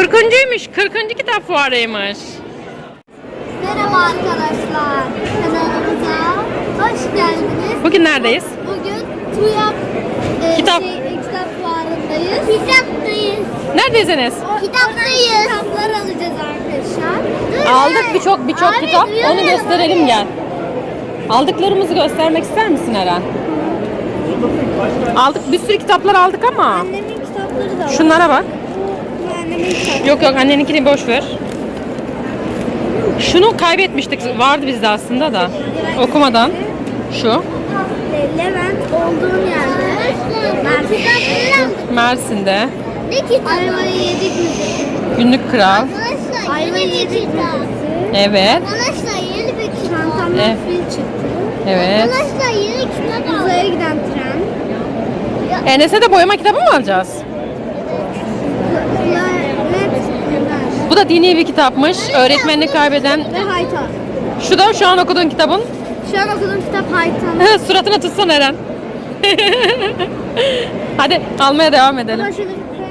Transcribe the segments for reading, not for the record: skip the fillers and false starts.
40.'ymiş. 40. kitap fuarıymış. Merhaba arkadaşlar. Kanalımıza hoş geldiniz. Bugün neredeyiz? Bugün TÜYAP Kitap. kitap fuarındayız. Kitaptayız. Neredeyiz Enes? Kitaptayız. Kitaplar alacağız arkadaşlar. Aldık birçok kitap. Onu gösterelim gel. Aldıklarımızı göstermek ister misin Eren? Aldık, bir sürü kitaplar aldık ama. Annemin kitapları da var. Şunlara bak. Annemin kitapları. Yok anneninkini boş ver. Şunu kaybetmiştik. Vardı bizde aslında da. Okumadan. Şu. Levent olduğum yerde. Mersin'de. Ne kitap? Ayvayı yedik mi? Günlük Kral. Arkadaşlar ayvayı yedik mi? Evet. Arkadaşlar yeni bir kitap. Çantamdan Evet. fil çıktı. Evet. Arkadaşlar yeni kitap aldım. Uzaya giden tren. Enes'e de boyama kitabı mı alacağız? Bu da dini bir kitapmış. Öğretmenini kaybeden. Ve Haytan. Şu da şu an okuduğun kitabın. Şu an okuduğum kitap Haytan. Suratına tutsan Eren. Hadi almaya devam edelim. Ama şöyle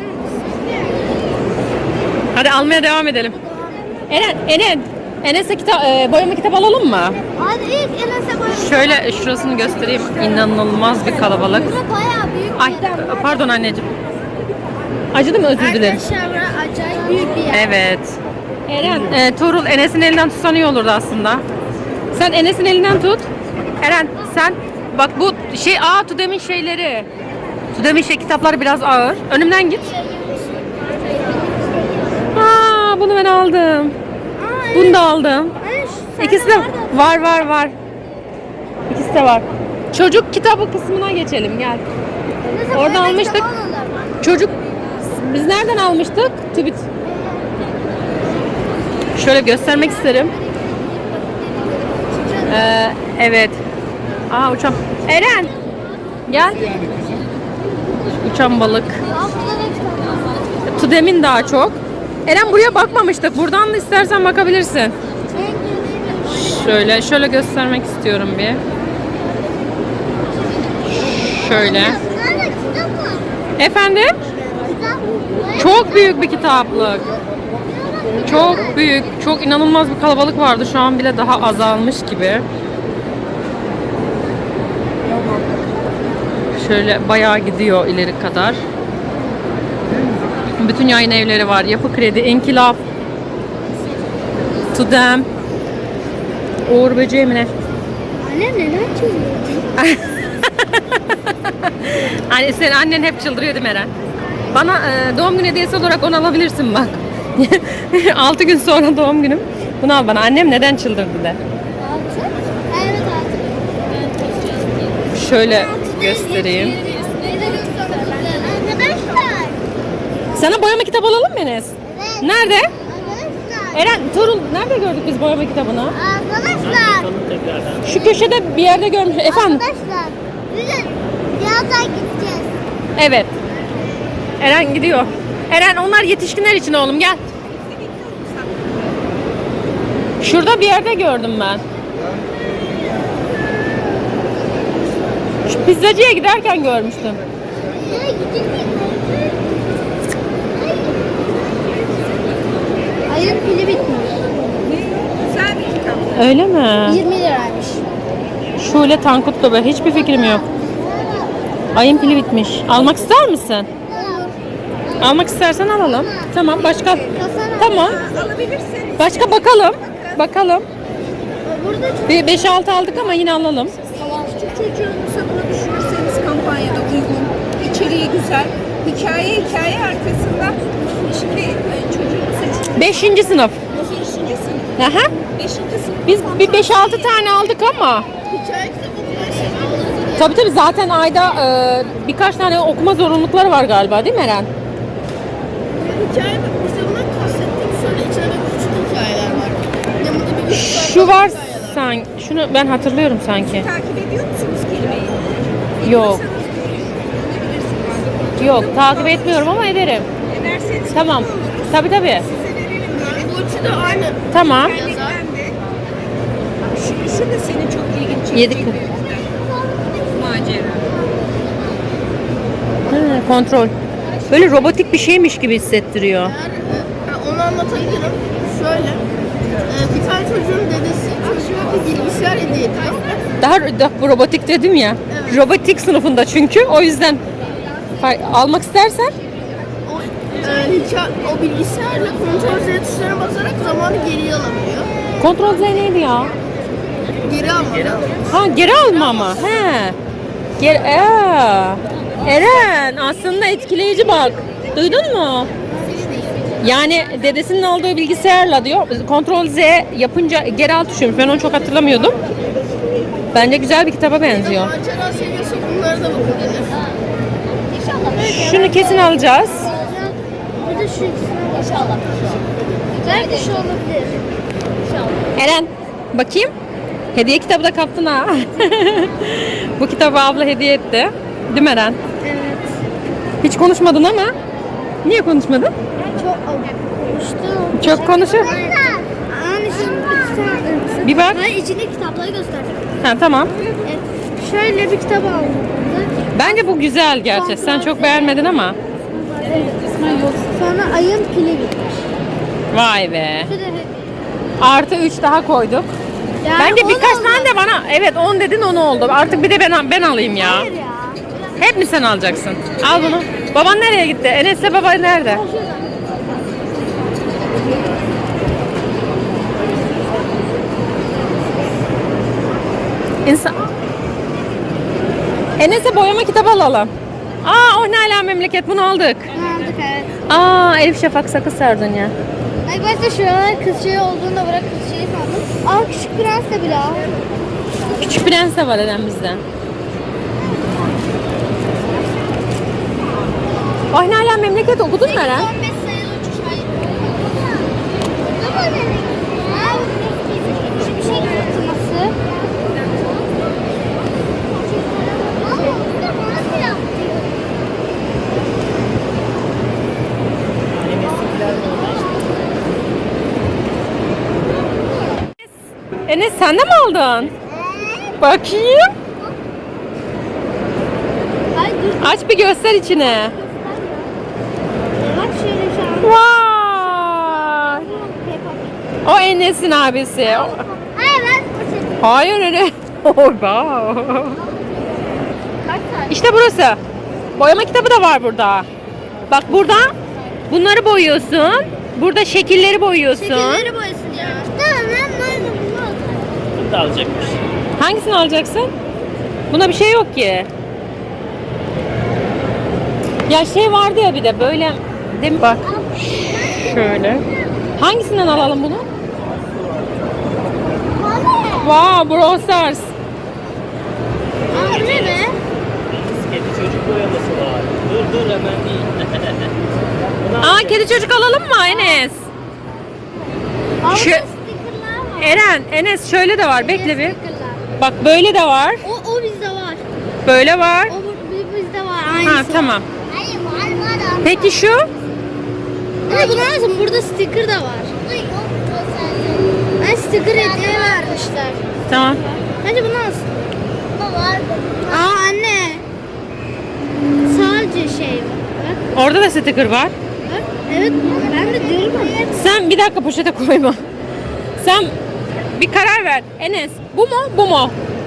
Hadi almaya devam edelim. Enes'e boyama kitabı alalım mı? hadi ilk Enes'e boyama. Şöyle şurasını göstereyim. İnanılmaz bir kalabalık. Burada bayağı büyük Ay bir yer var. pardon anneciğim. Acıdı mı? Özür dilerim. Arkadaşlar burası acayip büyük bir yer. Evet. Eren, Tuğrul Enes'in elinden tutsan iyi olurdu aslında. Sen Enes'in elinden tut. Eren sen bak bu Tudem'in şeyleri. Tudem'in kitapları biraz ağır. Önümden git. Bunu ben aldım. Bunu da aldım. İkisi de var. İkisi de var. Çocuk kitabı kısmına geçelim gel. Orada almıştık. Çocuk biz nereden almıştık? TÜBİT. Şöyle göstermek isterim. Evet. Uçan. Eren. Gel. Uçan balık. Tudem'in daha çok. Eren buraya bakmamıştık. Buradan da istersen bakabilirsin. Şöyle göstermek istiyorum bir. Şöyle. Efendim? Çok büyük bir kitaplık. Çok büyük, çok inanılmaz bir kalabalık vardı. Şu an bile daha azalmış gibi. Şöyle bayağı gidiyor ileri kadar. Bütün yayın evleri var. Yapı Kredi, İnkılap, Tudem, Uğur Böceği mi ne? Anne neler çiziyorsun? Hani senin annen hep çıldırıyor değil mi Eren? Bana doğum günü hediyesi olarak onu alabilirsin bak. 6 gün sonra doğum günüm. Bunu al bana. Annem neden çıldırdı de. Altı? Evet altı. Şöyle göstereyim. Arkadaşlar. Sana boyama kitabı alalım mı Enes? Evet. Nerede? Arkadaşlar. Eren, Tuğrul nerede gördük biz boyama kitabını? Arkadaşlar. Şu köşede bir yerde görmüş. Efendim? Arkadaşlar. Bugün birazdan gideceğiz. Evet. Eren gidiyor. Eren onlar yetişkinler için oğlum gel. Şurada bir yerde gördüm ben. Şu pizzacıya giderken görmüştüm. Nereye gideceğiz? Ayın pili bitmiş. Güzel bir kitap. Öyle mi? 20 liraymış. Şöyle Tankut'ta ben hiçbir fikrim yok. Ayın pili bitmiş. Almak ister misin? Almak istersen alalım. Tamam başka. Tamam. Alabilirsin. Başka bakalım. Bakalım. Burada çok Bir 5-6 aldık ama yine alalım. Küçük çocuğun sabını düşünürseniz kampanyada uygun. İçeriği güzel. Hikaye arkasında. Şimdi çocuğun seçimi. 5. sınıf. 5. sınıf. Aha. 5. sınıf. Biz bir 5-6 tane aldık ama. Hikaye kitabı Tabii zaten ayda birkaç tane okuma zorunlulukları var galiba değil mi Eren? Hikaye kitabından kastettiğim şöyle içinde küçük hikayeler var. Yanında bir Şu var sanki. Şunu ben hatırlıyorum sanki. Takip ediyor musunuz kelimeyi? Yok. Yok takip etmiyorum ama ederim. Ederseniz Tamam. Tabii. size verelim. Bu üçü de aynı. Tamam. Yazar. Şu da senin çok ilgini çekecek. Yedik. Macera. Kontrol. Böyle robotik bir şeymiş gibi hissettiriyor. Onu anlatabilirim. Şöyle. Bir tane çocuğun dedesi çocuğa bir bilgisayar hediye etti. Daha robotik dedim ya. Evet. Robotik sınıfında çünkü. O yüzden almak istersen O bilgisayarla kontrol Z tuşlarına basarak zamanı geriye alabiliyor. Kontrol Z neydi ya? Geri alma. Ha, geri alma ama. He. Eren aslında etkileyici bak. Duydun mu? Yani dedesinin aldığı bilgisayarla diyor. Kontrol Z yapınca geri al tuşuymuş. Ben onu çok hatırlamıyordum. Bence güzel bir kitaba benziyor. Macera seviyorsa bunlara da bakabilir. Şunu kesin alacağız. Bir de şu ikisini inşallah. Belki şu olabilir. Eren bakayım. Hediye kitabı da kaptın ha. Bu kitabı abla hediye etti. Değil mi Eren? Evet. Hiç konuşmadın ama. Niye konuşmadın? Çok konuştum. Çok konuşuyor. Anne şimdi bir tane. Bir bak. Ben içindeki kitapları göstereceğim. Ha, tamam. Evet. Şöyle bir kitap aldım. Bence bu güzel gerçi. Sen çok beğenmedin ama. Sonra ayın pili bitmiş. Vay be. Bir de Artı 3 daha koyduk. yani Bence on birkaç oldu. tane de bana. Evet 10 dedin 10 oldu. Artık bir de ben alayım ya. Hayır ya. Hep mi sen alacaksın? Al bunu. Baban nereye gitti? Enes'le baba nerede? İnsan... Enes'e boyama kitabı alalım. Aa, o ne ala memleket, bunu aldık. Aldık evet. Aa, Elif Şafak Sakız Sardunya. Ay başta şuralar kız şey olduğunda bırak kız şeyi sandım. Al küçük prens de bile al. Küçük Prens de var Eren bizde. Ay ne ala memleket okudun mu Eren? 15 sayılı uçuş hayır. Bu mu demek? Ha, şu bir şey kırılması. Enes sen de mi aldın? Bakayım. Ay dur. Aç bir göster içine. Bak şöyle şu an. Vay. O Enes'in abisi. Hayır ben poşetim. Hayır Enes. Oh, wow. Kaç tane? İşte burası. Boyama kitabı da var burada. Bak burada bunları boyuyorsun. Burada şekilleri boyuyorsun. Şekilleri boyasın ya. Tamam ben bunu alacağım. Bunu da alacakmış. Hangisini alacaksın? Buna bir şey yok ki. Ya şey vardı ya bir de böyle. Değil mi? Bak. Şöyle. Hangisinden alalım bunu? Wow, Brawl Stars. Aa, bu ne be? Kedi çocuk boyaması var. Dur hemen değil. Bunu Aa, kedi çocuk alalım mı Enes? Aa, Şu- burada stickerlar var. Eren, Enes şöyle de var. Bekle bir. Stickerlar. Bak böyle de var. O bizde var. Böyle var. O bizde var. Aynısı. Ha, tamam. Hayır var. Peki şu? Ama bunu alsın. Burada sticker da var. Ay sticker hediye vermişler. Tamam. Bence bunu alsın. Aa anne. Sadece şey var. Bak, Orada da sticker var. bak. Evet ben de diyorum ama. Sen bir dakika poşete koyma. Sen bir karar ver. Enes, bu mu, bu mu?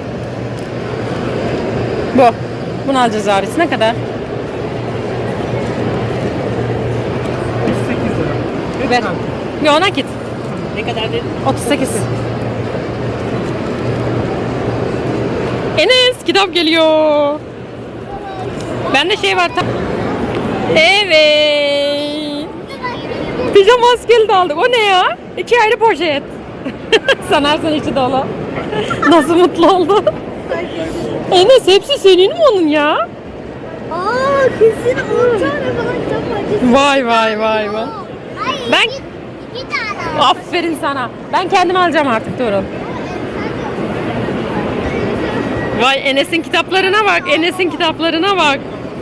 Bu. Bunu alacağız abisi. Ne kadar? 8 lira. Ver. Bir ona git. Ne kadar dedin? 38. Enes, kitap geliyor. Bende şey var. Evet. Pijama maskeli de aldık. O ne ya? 2 ayrı poşet. Sanarsan içi dolu. Nasıl mutlu oldu? Enes hepsi senin mi onun ya? Aa kesin 10 tane falan kitap var. Vay vay vay vay. Ben İki tane. aferin sana. Ben kendim alacağım artık Tuğrul. Vay Enes'in kitaplarına bak. Enes'in kitaplarına bak.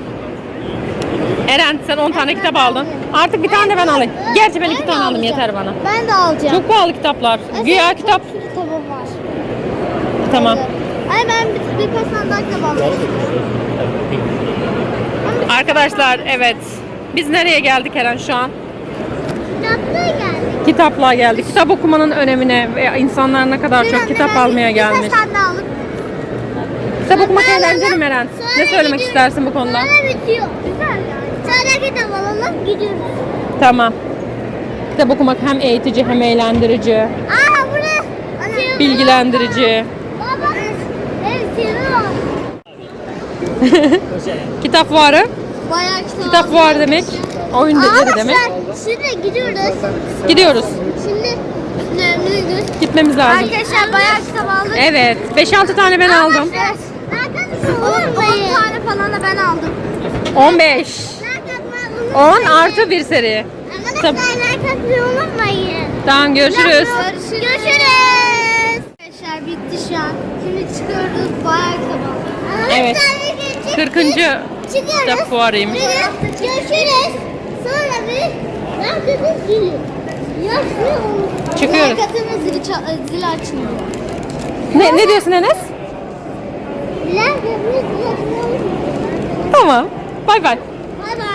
Eren sen 10 tane kitap aldın. Artık bir tane de ben alayım. Gerçi ben 2 tane aldım yeter bana. Ben de alacağım. Çok pahalı kitaplar. Güya kitap. Çok kitabım var. Tamam. Ay ben birkaç tane daha kitap alacağım. Arkadaşlar evet. Biz nereye geldik Eren şu an? Kitaplığa geldik. Kitaplığa geldik. Kitap okumanın önemine ve insanlar ne kadar çok kitap almaya gelmiş. Birkaç tane aldık. Kitap okumak Sonra eğlenceli alalım. Meren. Sonra Ne söylemek gidiyoruz. istersin bu konuda? Sonra bitiyor. Güzel yani. Sonra kitap alalım gidiyoruz. Tamam. Kitap okumak hem eğitici hem eğlendirici, Aa burası. bilgilendirici. Baba. Evet seviyorum. Kitap fuarı. Bayağı kitap Kitap aldık. fuarı demek. Oyun yeri demek. Şimdi gidiyoruz. Gidiyoruz. Şimdi önümüze gidiyoruz. Gitmemiz lazım. Arkadaşlar bayağı kitap aldık. Evet. 5-6 tane ben aldım. Evet. 10 tane falan da ben aldım. 15. 10 artı bir seri. Arkadaşlar like atmayı unutmayın. Tamam görüşürüz. Görüşürüz. Arkadaşlar bitti şu an. Şimdi çıkıyoruz. Bayağı kitap aldık. Evet. 40. kitap fuarıymış. Görüşürüz. Sonra bir herkesin zili. Yaşlı olur. Çıkıyoruz. Like atın zili açmıyor. Ne diyorsun Enes? Like atın zili açmıyor. Tamam. Bay bay. Bay bay.